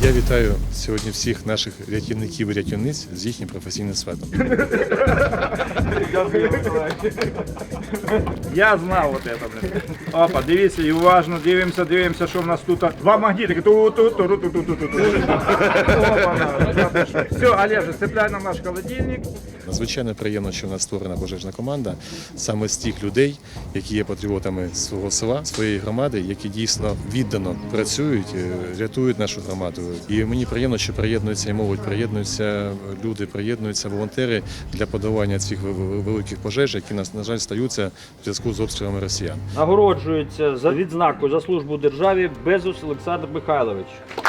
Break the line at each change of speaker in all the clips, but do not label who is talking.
Я вітаю сьогодні всіх наших рятівників і рятівниць з їхнім професійним святом.
Я знав от це, блин. Опа, дивіться, і уважно дивимося, що в нас тут. Два магнітики. Все, Олеже, цепляй нам наш холодильник.
Надзвичайно приємно, що в нас створена пожежна команда саме з тих людей, які є патріотами свого села, своєї громади, які дійсно віддано працюють, рятують нашу громаду. І мені приємно, що приєднується і молодь, приєднуються люди, приєднуються волонтери для подолання цих великих пожеж, які, на жаль, стаються в зв'язку з обстрілами росіян.
Нагороджується за відзнакою за службу державі Безус Олександр Михайлович.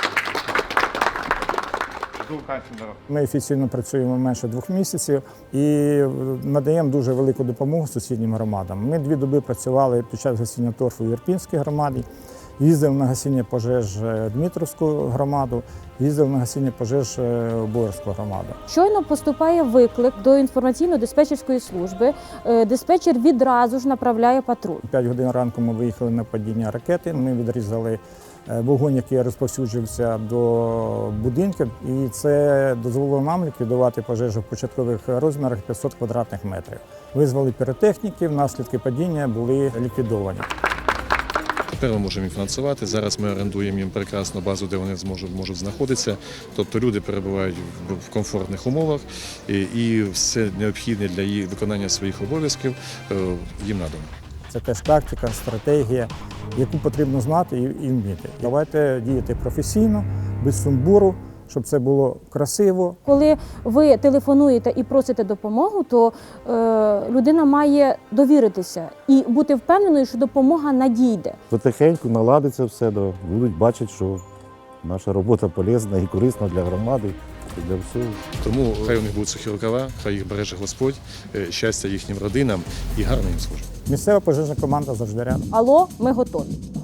Ми офіційно працюємо менше 2 місяців і надаємо дуже велику допомогу сусіднім громадам. Ми 2 доби працювали під час гасіння торфу в Ірпінській громаді, їздив на гасіння пожеж Дмитровську громаду, їздив на гасіння пожеж Боярську громаду.
Щойно поступає виклик до інформаційно-диспетчерської служби. Диспетчер відразу ж направляє патруль.
5 годин ранку ми виїхали на падіння ракети, ми відрізали вогонь, який розповсюджувався до будинків, і це дозволило нам ліквідувати пожежу в початкових розмірах 500 квадратних метрів. Визвали піротехніків, наслідки падіння були ліквідовані.
Тепер ми можемо їм фінансувати. Зараз ми орендуємо їм прекрасну базу, де вони можуть знаходитися. Тобто люди перебувають в комфортних умовах і все необхідне для виконання своїх обов'язків їм надано.
Це теж тактика, стратегія, яку потрібно знати і вміти. Давайте діяти професійно, без сумбуру, щоб це було красиво.
Коли ви телефонуєте і просите допомогу, то людина має довіритися і бути впевненою, що допомога надійде.
Потихеньку наладиться все, будуть бачити, що наша робота полезна і корисна для громади, і для всього.
Тому хай у них будуть сухі рукава, хай їх береже Господь, щастя їхнім родинам і гарної їм служби.
Місцева пожежна команда завжди рядом.
Алло, ми готові.